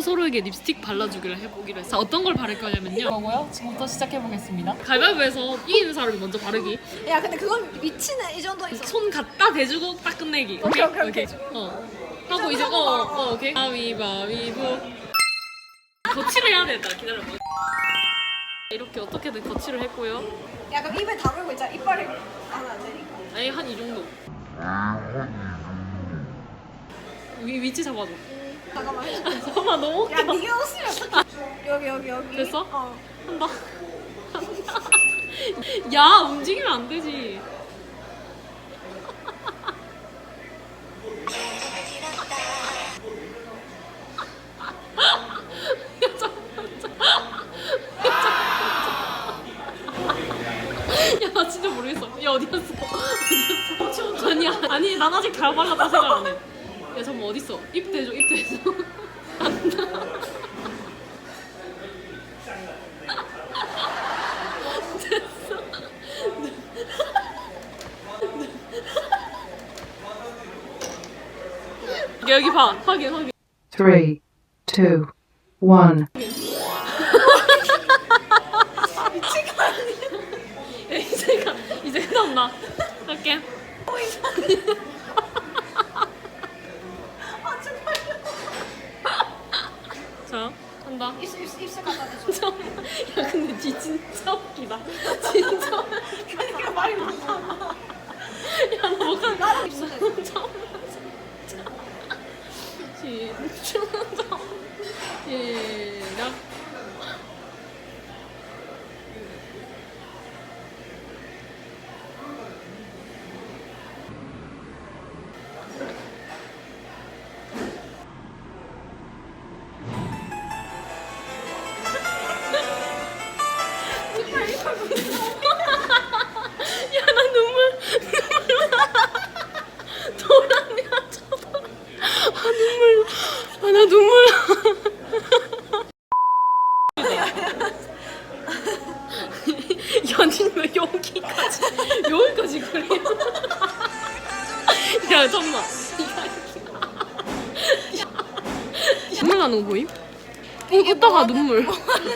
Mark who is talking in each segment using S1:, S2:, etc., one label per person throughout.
S1: 서로에게 립스틱 발라주기를 해보기로 했어. 어떤 걸 바를 거냐면요. 이거고요. 지금부터 시작해보겠습니다. 가위바위보에서 이기는 사람이 먼저 바르기.
S2: 야 근데 그건 미치네. 이 정도 있어.
S1: 손 갖다 대주고 딱 끝내기.
S2: 오케이, 오케이.
S1: 하고 이제 오케이. 가위바위보. 거치를 해야 된다. 기다려봐. 이렇게 어떻게든 거치를 했고요.
S2: 야 그럼 입에 다물고 있자. 이빨을 하면 안 되니까.
S1: 아니 한 이 정도. 위치 잡아줘.
S2: 잠깐만 해줄게.
S1: 잠깐만 너무
S2: 야
S1: 웃기다.
S2: 네가 웃으면 어떡해. 여기.
S1: 됐어?
S2: 어.
S1: 한다. 야 움직이면 안 되지. 야 나 진짜 모르겠어. 야 어디였어? 아니 난 아직 다 발랐다 생각 안 해. 야 잠깐 어딨어? 입 대줘 입 대줘. 여기 봐. 확인.
S3: 3, 2, 1.
S1: 야, 이제 끝났나? 할게. 자, 한다.
S2: 입술 갖다 대줘.
S1: 야, 근데 뒤 진짜 웃기다. 진짜.
S2: 그러니까 말이 많아.
S1: 야, 나 못하는.
S2: 나도 입술 대줘.
S1: 진짜. 시작. 야, 나 눈물. 도란이야, 저 도란. 눈물. 나 눈물. 연인 왜 여기까지 그래? 야, 잠깐만. 눈물 나는 거 보임? 웃다가 눈물.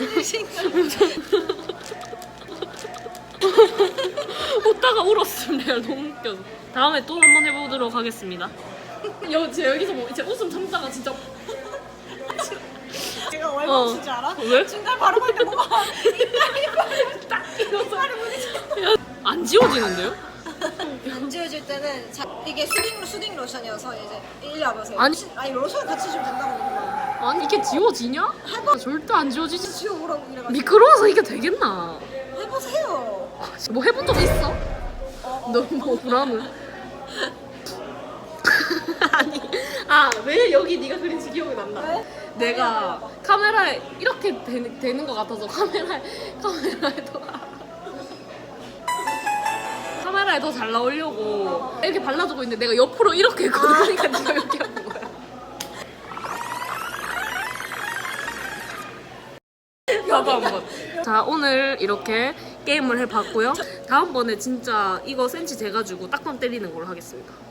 S1: 웃다가 울었음. 내가 너무 웃겨서. 다음에 또 한번 해보도록 하겠습니다. 여기서 뭐 이제 웃음 참다가 진짜.
S2: 제가 왜 멈춘 줄 알아?
S1: 왜?
S2: 중간 바르고 있는데 뭐가 이빨
S1: 딱 이러서. 안 지워지는데요?
S2: 안 지워질 때는 이게 수딩 로션이어서 이제 일리 와보세요.
S1: 아니.
S2: 아니 로션 같이 좀 된다고 그러는 거야.
S1: 아니 이게 지워지냐? 절대 안 지워지지.
S2: 지워보라고 이래가지고.
S1: 미끄러워서 이게 되겠나?
S2: 해보세요.
S1: 뭐 해본 적 있어? 너뭐 불안해. 아니 왜 여기 네가 그린지 기억이 난다.
S2: 왜?
S1: 내가 카메라에 이렇게 되는 것 같아서 카메라에 더 잘 나오려고 이렇게 발라주고 있는데 내가 옆으로 이렇게 했거든. 그러니까 네가 이렇게 하는 거야. 나도 한번. 자, 오늘 이렇게 게임을 해봤고요. 다음번에 진짜 이거 센치 재가지고 딱밤 때리는 걸로 하겠습니다.